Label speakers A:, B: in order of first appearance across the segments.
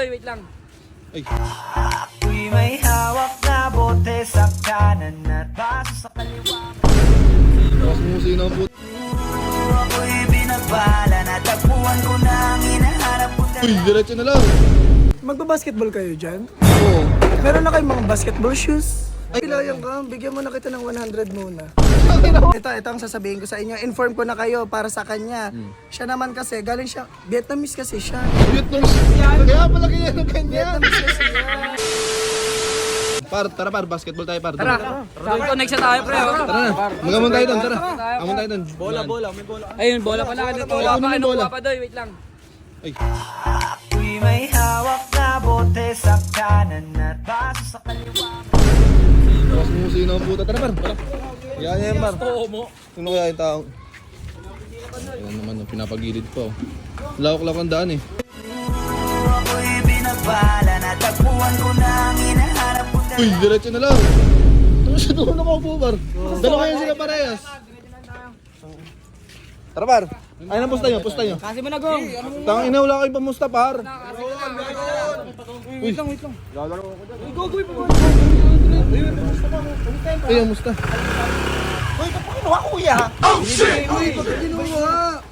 A: Doy, wait lang.
B: Ay.
C: Ako'y may hawak na bote sa kanan at baso sa kaliwa.
B: Tapos musino ang puto.
C: Ako'y binabala na tagpuan ko na ang hinaharap ko.
B: Uy, diretso na lang.
D: Magbabasketball kayo dyan?
B: Oo.
D: Meron na kayong mga basketball shoes? Ay, pilayan ka. Bigyan mo na kita ng 100 muna. Ito ang sasabihin ko sa inyo. Inform ko na kayo para sa kanya. Siya naman kasi, galing siya, Vietnamese kasi siya.
B: Vietnamese. Kaya pala kaya ng ganyan.
D: Vietnamese kasi siya.
B: Tara par, basketball tayo par.
A: Tara, connect siya tayo, pre.
B: Tara na. Magamon tayo doon, tara. Amon tayo doon.
D: Bola, may bola.
A: Ayun, bola pala. Bola pa, ano pa, Doy, wait lang.
B: Ay.
C: Ako'y may hawak na bote sa kanan at baso sa kaliwa.
B: Tapos musino ang puto. Tara par. Yan yan par. Sino kaya yung taong? Ayan naman, pinapagilid pa. Lawak-lawak ang daan eh.
C: Ako'y binabala na tagpuan ko na ang hinaharap ko.
B: Uy, diretso na lang. Tapos sa doon ako po par. Dalawa kayo sila parehas. Tara par. Ay, na pusta nyo, pusta nyo.
A: Kasi mo na, Gong.
B: Tangin na, wala kayong pamusta par.
A: Wait lang.
B: Ay, musta?
D: Uy, ba't kinuha kuya? Uy, ba't kinuha?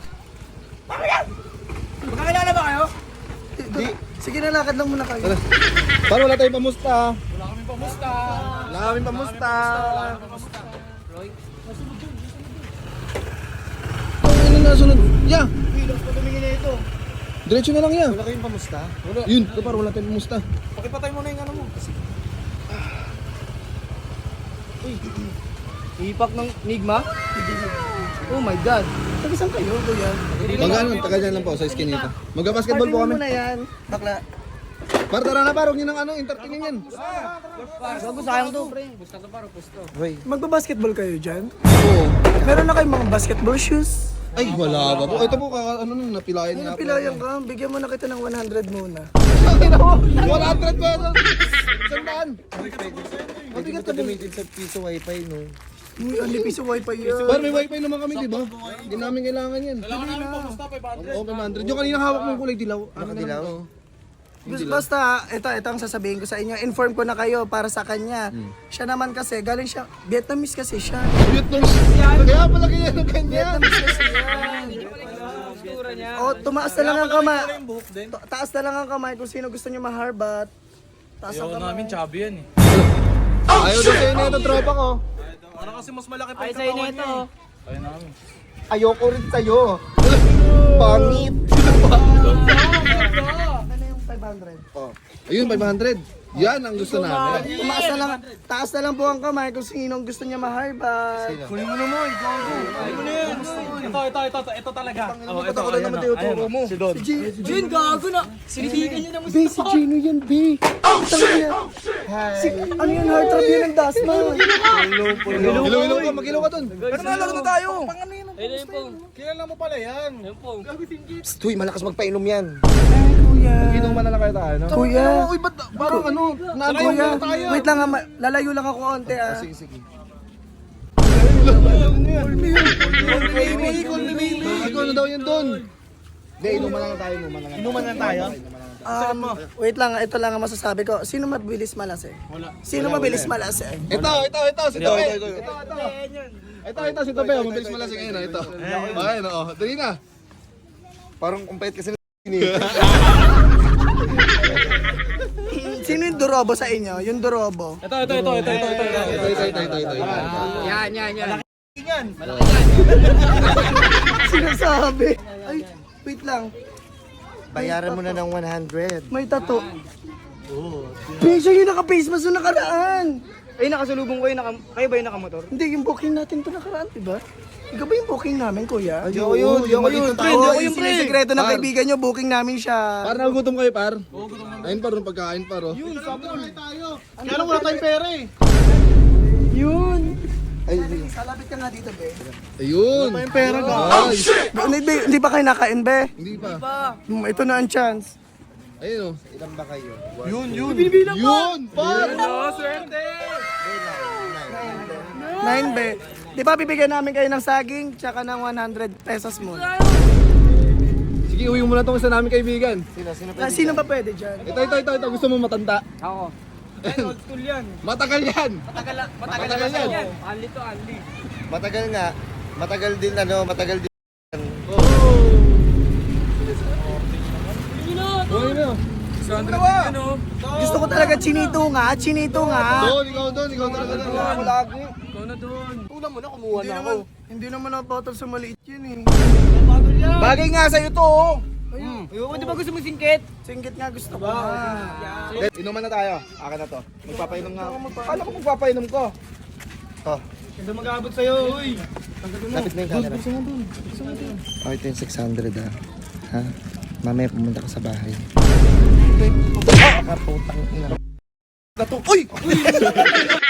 A: Magkakilala ba kayo?
D: Sige na, lakad lang muna kayo.
B: Tara. Par, wala tayong pamusta. Wala kaming pamusta. Ano na sunod? Yeah.
D: Pilos pa tumingin na ito.
B: Diretso na lang yan.
D: Wala kayong pamusta?
B: Yun, par, wala tayong pamusta.
D: Pakipatay mo na yung ano mo.
A: Ipak ng Nigma? Oh my God.
D: Tagisan kayo, kuya.
B: Magkano, taga dyan lang po sa skinita. Magka-basketball po kami.
D: Partinin mo na yan. Bakla.
B: Par, tara na par, huwag nyo nang ano, entertainin yan.
A: Gago, sayang to, pre. Pusta to, paro, pusto.
D: Magbabasketball kayo dyan?
B: Oo.
D: Meron na kayong mga basketball shoes?
B: Ay, wala ba po? Ito po, ano nung napilayan nga po.
D: Pilayan ka. Bigyan mo na kita ng 100 muna.
B: 100 pesos! Sandaan!
D: Pwede mo ito gamitin sa piso wifi, no? Uy, ang piso wifi yan.
B: Par, may wifi naman kami, di ba? Hindi namin kailangan yan. Kailangan namin pamusta, 500. Oo, 500. Yung kanina hawak mong kulay dilaw. Ano dilaw?
D: Basta, ito ang sasabihin ko sa inyo. Inform ko na kayo para sa kanya. Siya naman kasi, galing siya, Vietnamese kasi siya.
B: Vietnamese. Kaya pala kaya ng ganyan.
D: Vietnamese kasi yan.
A: Postura niya.
D: O, tumaas na lang ang kamay. Taas na lang ang kamay kung sino gusto niyo maharbat. Taas ang kamay.
E: Chubby yan eh.
B: Ayaw daw sa'yo na ito, tropa ko.
E: Ano kasi mas malaki pa
A: Ay,
E: yung
A: sa'yo
E: katawan
A: na
E: niya
A: ito.
E: eh. Ayun namin.
D: Ayoko rin sa'yo. Pangit. Ano yung 500?
B: Ayun, 500. Yan ang gusto namin.
D: Tumaas na lang, taas na lang po ang kamay kung sino gusto niya maharbat.
E: Kunin mo na mo, ikaw ako. Kunin mo na yan. Ito talaga. Oh, ito
D: Ako na naman tinuturo mo.
E: Si Don.
A: Jun, gago na. Sinidigan niya naman.
D: Be, si Gino yan, be. Tangina. Si, ano yun, heart trap yun ng Dasma.
B: Ilaw-ilaw ka, mag-ilaw ka dun.
E: Pero nalaro na tayo.
A: Ayun yung pong.
E: Kilala mo pala yan.
A: Ayun pong.
D: Tuy, malakas magpainom yan.
B: Inuman na lang kayo tayo, no?
D: Kuya.
B: Uy, ba't parang ano?
D: Kuya, wait lang, lalayo lang ako konti ah.
B: Sige, sige.
D: Baby, call me baby.
B: Ikaw na daw yan dun.
D: Hindi, inuman lang tayo, inuman lang.
E: Inuman na tayo.
D: Wait lang, ito lang ang masasabi ko. Sino mabilis malas eh? Wala. Sino mabilis malas eh?
B: Ito, si Tope. Ito, si Tope. Mabilis mo lang sige na, ito. Ayun, oo. Dali na. Parang kumpait kasi
D: Sino yung durobo sa inyo? Yung durobo.
E: Ito.
B: Ito.
A: Yan.
D: Sinasabi. Ay, wait lang.
F: Bayaran mo na ng 100.
D: May tato. Bisa yung naka-face mask yung nakaraan.
A: Ay, nakasalubong ko yun. Kayo ba yung nakamotor?
D: Hindi, yung booking natin to nakaraan, diba? Ikaw ba yung booking namin, kuya?
B: Ayoko yun.
D: Yung sikreto ng kaibigan nyo, booking namin siya.
B: Par, nagugutom kayo, par? Ayun, par, yung pagkain, par, oh.
E: Kaya lang wala tayong pera eh.
D: Yun. Ay, salapit ka nga dito, be.
B: Ayun.
E: Yung pera ka.
B: Ay,
D: Hindi ba kayo nakain, be?
B: hindi pa.
D: Ito na ang chance.
B: Ayun, oh.
F: Ilan ba kayo?
B: Yun, par!
E: Swerte!
D: 9, be. Di ba bibigyan namin kayo ng saging, tsaka ng 100 pesos mo?
B: Sige, uwi mo na itong isa namin kaibigan.
D: Sino ba pwede dyan?
B: Ito. Gusto mo matanda?
A: Ako. Old school yan.
B: Matagal yan.
A: Matagal na yan. Anli to anli.
F: Matagal nga. Matagal din ano, matagal din.
B: Uwi na.
D: Gusto ko talaga chinito nga.
B: Ikaw doon.
A: Ako lagi. Ikaw na doon. Una mo na, kumuha na ako.
D: Hindi naman napatol sa maliit yun eh.
A: Bagay nga sa'yo to, oh. Ayun, di ba gusto mo singkit?
D: Singgit nga gusto ko.
B: Inuman na tayo. Akin na to. Magpapainom nga ako. Kala ko magpapainom ko.
F: Oh,
A: Hindi mag-aabot sa'yo, uy.
F: lapit na yung camera. Oh, ito yung 600 ah. Ha? Mamaya pumunta ka sa bahay. Kaputang ina.
B: Uy!